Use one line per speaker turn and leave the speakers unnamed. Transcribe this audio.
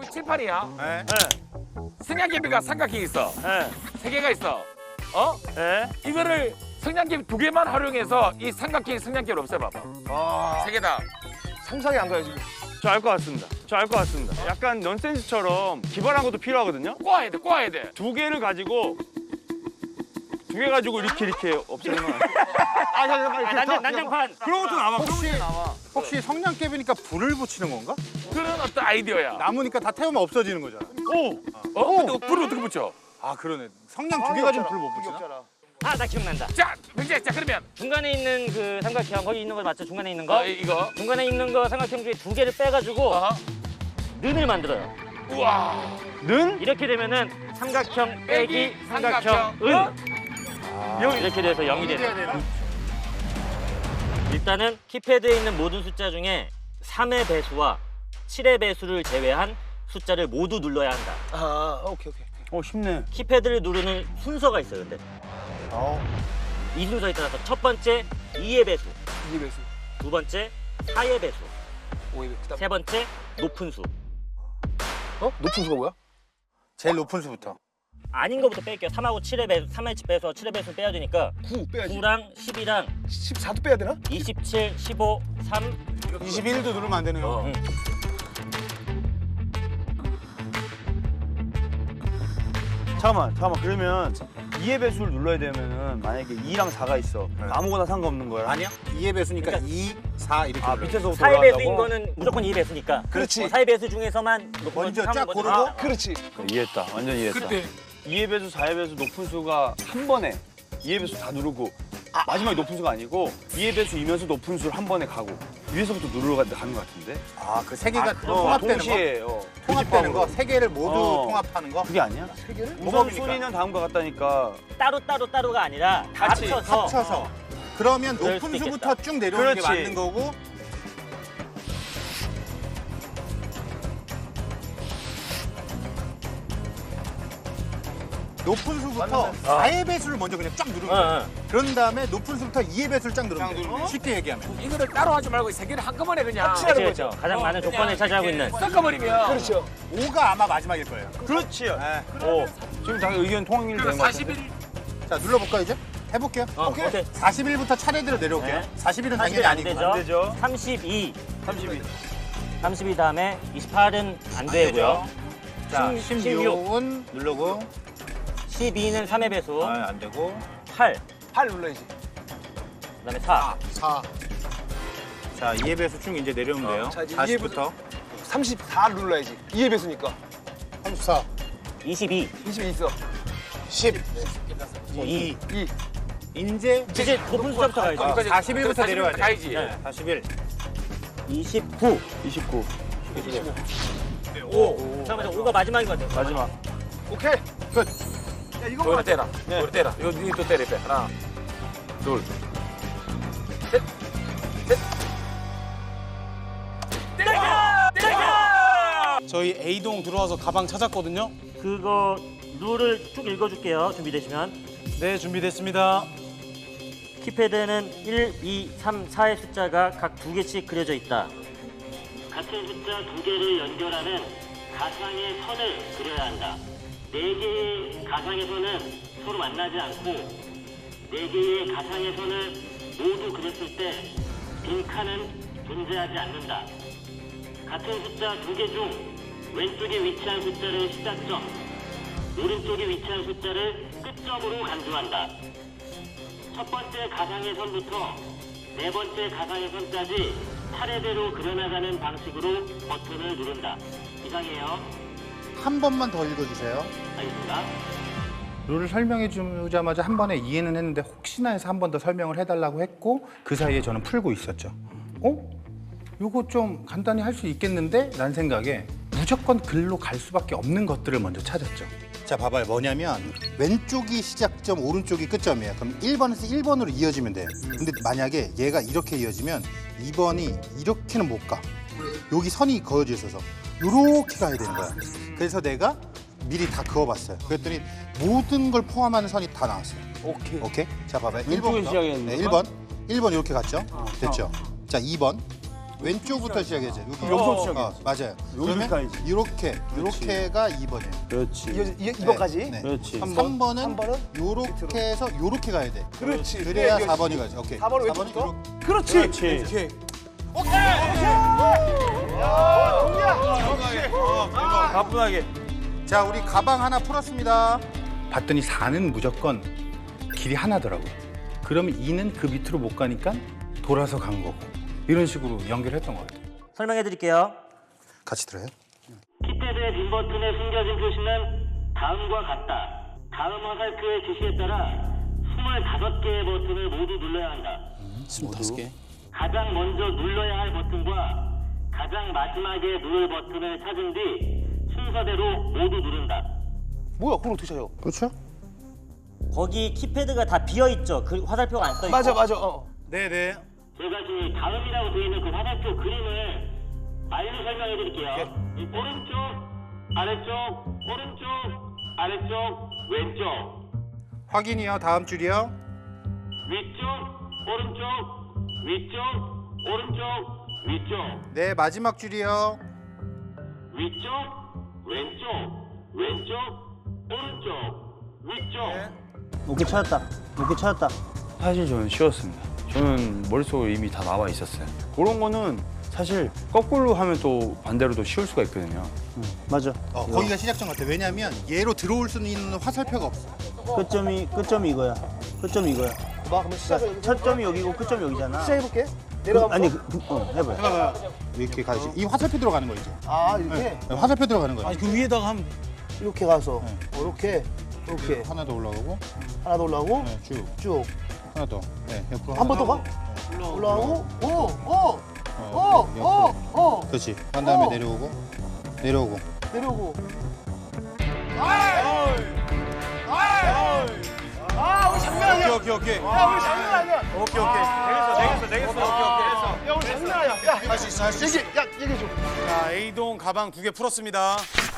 칠판이야.
네.
성냥개비가 삼각형이 있어.
네.
3개가 있어. 어?
네.
이거를 성냥개비 2개만 활용해서 이 삼각형 성냥개비를 없애봐봐.
아,
3개 다.
상상이 안 가요 지금.
저 알 것 같습니다. 저 알 것 같습니다. 약간 넌센스처럼 기발한 것도 필요하거든요.
꼬아야 돼, 꼬아야 돼.
2개를 가지고 2개 가지고 이렇게 없애는 건
아, 잠깐만.
난장판.
그런 것도 나와. 그런 것도 나와.
혹시 성냥개비니까 불을 붙이는 건가?
그런 어떤 아이디어야.
나무니까 다 태우면 없어지는 거잖아.
어? 근데 불을 어떻게 붙여?
아, 그러네. 성냥 2개 가지고 불을 못 붙이나?
아, 나 기억난다.
자, 병재, 자 그러면
중간에 있는 그 삼각형 거기 있는 거 맞죠? 중간에 있는 거.
이거.
중간에 있는 거 삼각형 중에 2개를 빼가지고
어?
는을 만들어요.
우와.
는?
이렇게 되면은 삼각형 빼기 삼각형
은.
은. 이렇게 돼서 0이 되는. 일단은 키패드에 있는 모든 숫자 중에 3의 배수와 7의 배수를 제외한 숫자를 모두 눌러야 한다.
아, 오케이.
쉽네.
키패드를 누르는 순서가 있어요. 근데 이 순서에 따라서 첫 번째 2의 배수,
2의 배수,
두 번째 4의 배수,
5의 배수.
세 번째 높은 수.
높은 수가 뭐야? 제일 높은 수부터.
아닌 거부터 뺄게요. 3하고 7의 배수, 3의 배수와 7의 배수 빼야 되니까
9 빼야지.
9랑 10이랑
14도 빼야 되나?
27, 15, 3.
21도 누르면 안 되네요.
응.
잠깐만. 그러면 2의 배수를 눌러야 되면은 만약에 2랑 4가 있어. 아무거나 상관없는 거야.
아니야? 2의 배수니까 2, 4 이렇게
아,
눌러요.
밑에서부터
4의 배수인
올라간다고?
거는 무조건 2의 배수니까.
그렇지.
4의 배수 중에서만 높은
먼저
거
쫙
먼저
고르고
아,
그렇지.
이해했다. 완전 이해했다.
그때
2의 배수, 4의 배수 높은 수가 한 번에 2의 배수 다 누르고 마지막에 높은 수가 아니고 2의 배수이면서 높은 수를 한 번에 가고 위에서부터 누르러 가는 것 같은데?
아, 그 3개가 통합되는 거?
동시에
통합되는 거? 3개를 모두
어.
통합하는 거?
그게 아니야?
3개를?
우선순위는 다음과 같다니까.
따로가 아니라 다
같이
합쳐서
합쳐서. 그러면
그럴
높은
수도
수부터
있겠다.
쭉 내려오는 게
그렇지.
맞는 거고 높은 수부터 4의 배수를 먼저 그냥 쫙 누르면 돼. 그런 다음에 높은 수부터 2의 배수를 쫙 누르면 돼. 쉽게 얘기하면.
이거를 따로 하지 말고 3개를 한꺼번에 그냥
그렇죠. 가장 많은 조건을 차지하고 있는.
섞어버리면
그렇죠. 5가 아마 마지막일 거예요.
그렇지.
네.
지금 다 의견 통일된 것 같아.
41.
자, 눌러볼까요, 이제? 해볼게요.
오케이.
41부터 차례대로 내려올게요.
네.
41은 당연히
41은 안
아니고.
되죠.
안 되죠.
32.
32.
32 다음에 28은 안 되고요.
자,
16.
16은 누르고.
12는 3의 배수.
아, 안 되고.
8.
8 눌러야지.
그다음에 4.
4. 자, 2의 배수 쭉 이제 내려오면 돼요.
자, 이제
40부터.
34 눌러야지. 2의 배수니까.
34.
22.
20이 있어.
10.
2.
2.
이제
이제 높은 숫자부터 가야죠.
41부터 내려와야 돼.
가야지.
네.
41.
29.
29.
5. 잠깐만요. 5가 마지막인 것 같아요.
마지막.
오케이.
끝.
야, 이거
이거를 때라. 이거를 때라. 이거 때려. 빼. 하나, 둘, 셋, 셋.
저희 A동 들어와서 가방 찾았거든요.
그거 룰을 쭉 읽어줄게요. 준비되시면.
네, 준비됐습니다.
키패드에는 1, 2, 3, 4의 숫자가 각 2개씩 그려져 있다. 같은 숫자 2개를 연결하는 가상의 선을 그려야 한다. 4개의 가상의 선은 서로 만나지 않고 4개의 가상의 선을 모두 그렸을 때 빈칸은 존재하지 않는다. 같은 숫자 2개 중 왼쪽에 위치한 숫자를 시작점, 오른쪽에 위치한 숫자를 끝점으로 간주한다. 첫 번째 가상의 선부터 네 번째 가상의 선까지 차례대로 그려나가는 방식으로 버튼을 누른다. 이상이에요.
한 번만 더 읽어주세요.
알겠습니다.
룰을 설명해 주자마자 한 번에 이해는 했는데 혹시나 해서 한 번 더 설명을 해달라고 했고 그 사이에 저는 풀고 있었죠. 요거 좀 간단히 할 수 있겠는데? 라는 생각에 무조건 글로 갈 수밖에 없는 것들을 먼저 찾았죠. 자, 봐봐요. 뭐냐면 왼쪽이 시작점, 오른쪽이 끝점이에요. 그럼 1번에서 1번으로 이어지면 돼요. 근데 만약에 얘가 이렇게 이어지면 2번이 이렇게는 못 가. 여기 선이 그어져 있어서 이렇게 가야 되는 거야. 그래서 내가 미리 다 그어봤어요. 그랬더니 모든 걸 포함하는 선이 다 나왔어요. 오케이. 자, 봐봐요. 1번부터.
시작했는
네, 1번. 1번 이렇게 갔죠? 됐죠? 자, 2번. 왼쪽부터 시작해야죠. 여기
여기서 시작해.
맞아요.
여기까지.
그러면 이렇게가 2번이에요.
그렇지.
이거까지.
네.
그렇지.
3번은 요렇게 해서 요렇게 가야 돼.
그렇지.
그래야
그래,
4번이 가지. 오케이.
4번은
4번은
왼쪽부터.
요렇게.
그렇지.
그렇지.
오케이.
가뿐하게.
자, 우리 가방 하나 풀었습니다. 봤더니 4는 무조건 길이 하나더라고요. 그러면 2는 그 밑으로 못 가니까 돌아서 간 거고. 이런 식으로 연결했던 것 같아요.
설명해 드릴게요.
같이 들어요?
키패드의 빈 버튼에 숨겨진 표시는 다음과 같다. 다음 화살표의 지시에 따라 25개의 버튼을 모두 눌러야 한다.
25개.
가장 먼저 눌러야 할 버튼과 가장 마지막에 누를 버튼을 찾은 뒤 순서대로 모두 누른다.
뭐야? 그럼 어떻게 쳐요?
그렇죠?
거기 키패드가 다 비어 있죠. 그 화살표가 안 떠 있고.
맞아.
네네.
제가 지금 이 다음이라고 되어 있는 그 화살표 그림을 말로 설명해 드릴게요. 이 오른쪽, 아래쪽, 오른쪽, 아래쪽, 왼쪽,
확인이요. 다음 줄이요.
위쪽, 오른쪽, 위쪽, 오른쪽, 위쪽,
네, 마지막 줄이요.
위쪽, 왼쪽, 왼쪽, 오른쪽, 위쪽.
오케이 찾았다. 오케이 찾았다.
사실 저는 쉬웠습니다. 저는 머릿속에 이미 다 나와 있었어요. 그런 거는 사실 거꾸로 하면 또 반대로 또 쉬울 수가 있거든요.
맞아.
거기가 시작점 같아. 왜냐면 얘로 들어올 수 있는 화살표가 없어.
끝점이 이거야. 끝점이 이거야.
봐, 그러면 시작을.
첫 점이 여기고 끝점이 여기잖아.
시작해볼게. 내려가.
아니 해봐요.
해봐봐요. 이렇게 가야지. 이 화살표 들어가는 거 있죠?
아, 이렇게?
네, 화살표 들어가는 거예요.
아니 그 위에다가 한
이렇게 가서. 이렇게. 이렇게.
하나 더 올라가고,
하나 더 올라오고.
네, 쭉.
쭉.
하나 더. 네, 옆으로.
한 번 더 가? 올라오고. 오.
그렇지. 한 다음에
어.
내려오고.
내려오고.
오케이.
야, 우리 장난 아니야.
되겠어.
야, 우리 장난 아니야. 야,
할 수 있어, 할 수 있어.
얘기해 줘.
자, A동 가방 2개 풀었습니다.